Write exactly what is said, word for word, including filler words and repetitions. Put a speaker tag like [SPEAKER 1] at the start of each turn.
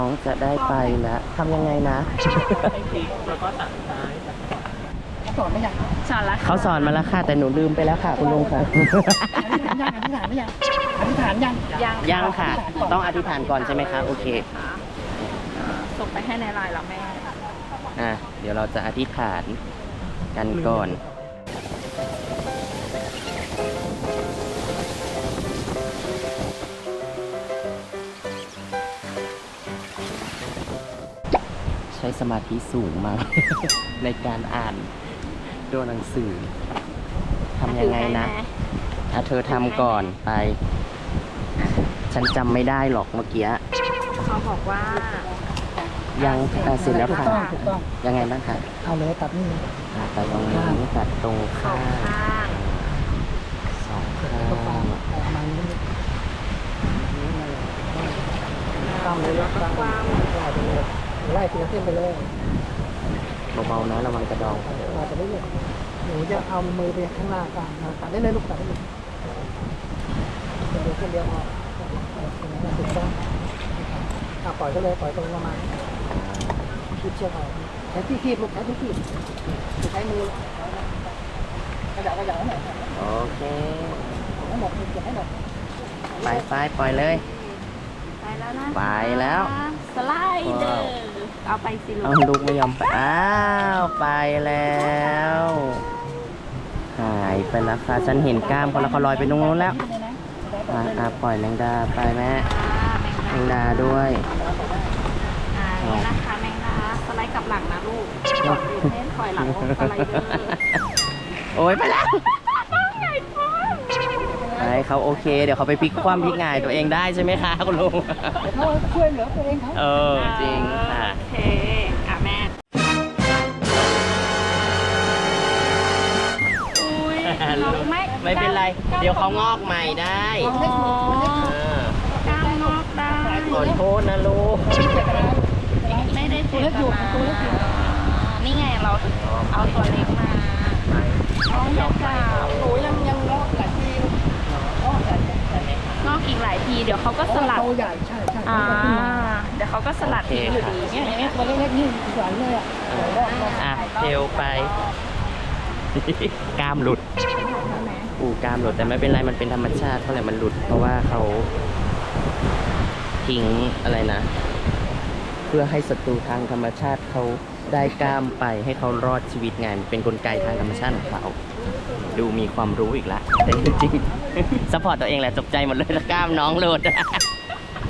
[SPEAKER 1] น้องจะได้ไปแล้วทำยังไงนะ
[SPEAKER 2] แล้วก็ตัดซ้าย
[SPEAKER 3] สอนไม่ยัง
[SPEAKER 4] สอนละ
[SPEAKER 1] เขาสอนมาแล้วค่ะแต่หนูลืมไปแล้วค่ะคุณลุงค่ะ
[SPEAKER 3] อธิษฐานยังอธิษฐานไม่ยังอธิษฐานยัง
[SPEAKER 4] ยัง
[SPEAKER 1] ยังค่ะ ต้องอธิษฐานก่อนใช่ไหมคะโอเค
[SPEAKER 4] ส่งไปให้ในไลน์แล้วแม่
[SPEAKER 1] อ่ะเดี๋ยวเราจะอธิษฐานกันก่อนใช้สมาธิสูงมาก ในการอ่านตัวหนังสือทำยังไงนะอ่ะเธอทำก่อนไป ฉันจำไม่ได้หรอกเมื่อกี้
[SPEAKER 4] เขาบอกว่า
[SPEAKER 1] ยังอ่ะเสร็จแล้ว
[SPEAKER 3] ถูก
[SPEAKER 1] ค่ะ
[SPEAKER 3] ต้องถูกต้อง
[SPEAKER 1] ยังไงบ้างคะ
[SPEAKER 3] เอาเลยตัดนี่
[SPEAKER 1] อ่ะตัดตรงนี้ตัดตรง
[SPEAKER 4] สอ
[SPEAKER 1] ข้าง ง
[SPEAKER 4] ข้าง
[SPEAKER 1] สองข้
[SPEAKER 3] ตรงกลา
[SPEAKER 1] าง ง
[SPEAKER 3] ประมาณนี้ต้องเลยต้องไล่ไปเลยไล่ทีละเส้นไปเลย
[SPEAKER 1] เบาๆนะระวังกระดอง
[SPEAKER 3] เราจะไม่เหนื่อยหนูจะเอามือไปข้างหน้ากลางตัดได้เลยลูกตัดได้เลยเดี๋ยวเส้นเดียวพอถูกต้องปล่อยก็เลยปล่อยตรงประมาณคีบเชือกเอาใช้ที่คีบลูกใช้ที่คีบใช้มือกระดาษกระดาษให้หน่อย
[SPEAKER 1] โอเค
[SPEAKER 3] ให้หมดเก็บให้หมด
[SPEAKER 1] ไปไปปล่อยเลย
[SPEAKER 4] ไปแล้วนะ
[SPEAKER 1] ไปแล้ว
[SPEAKER 4] สไลเดอร์เอาไปสิลู
[SPEAKER 1] เอา
[SPEAKER 4] ก
[SPEAKER 1] ลูกไม่ยอมไปอ้าวไปแล้วหายไปแล้วค่ะฉันเห็นกล้ามเขาแล้วเขาลอยไปตรงนู้นแล้วอ่ะอ่ะปล่อยแมงดาไปแม่แมงดาด้วย
[SPEAKER 4] อ่านี่นะคะแมงดาสไลด์กลับหลังนะลูกกดอยู่เส้นถอยหลังลงสไลเดอร์
[SPEAKER 1] โอ้ยไปแล้ว
[SPEAKER 4] ใหญ่มาก
[SPEAKER 1] ไปเขาโอเค เดี๋ยวเขาไปพลิกคว่ำพลิกหงายตัวเองได้ใช่ไหมคะคุณลุง
[SPEAKER 3] เขาช่วยเหลือตัวเองเขา
[SPEAKER 1] เออจริงค่ะ
[SPEAKER 4] โอเคอ่ะแม่อุ้ยน้องไม่
[SPEAKER 1] ไม่เป็นไร เดี๋ยวเขางอกใหม่ได้
[SPEAKER 4] อ๋อ
[SPEAKER 1] เออก
[SPEAKER 4] ล้ามงอกได้
[SPEAKER 1] ขอโทษนะลูก
[SPEAKER 4] ไม่ได้เจ็บนะนี่ไงเราเอาตัวเล็กมาน้องจะจับ
[SPEAKER 3] หนูยังยังงอกหลายทีงอกหลายที
[SPEAKER 4] งอกอีกหลายทีเดี๋ยวเขาก็สลัด
[SPEAKER 3] โตใหญ่ใช่ใช่
[SPEAKER 4] อ่าเดี๋ยวเขาก็สลัดทิ้งอยู่ดี
[SPEAKER 3] เนี่ยอย่างเงี้ยตัวเล็กๆนี่สวยเลยอ่ะ
[SPEAKER 1] อ่ะเทลไป กล้ามหลุด อูกล้ามหลุดแต่ไม่เป็นไรมันเป็นธรรมชาติเท่าไหร่มันหลุด เพราะว่าเขาทิ้งอะไรนะ เพื่อให้ศัตรูทางธรรมชาติเขาได้กล้ามไปให้เขารอดชีวิตไงมันเป็นกลไกทางธรรมชาติของเขาดูมีความรู้อีกละแต่จริงๆซัพพอร์ตตัวเองแหละตกใจหมดเลยถ้ากล้ามน้องหลุด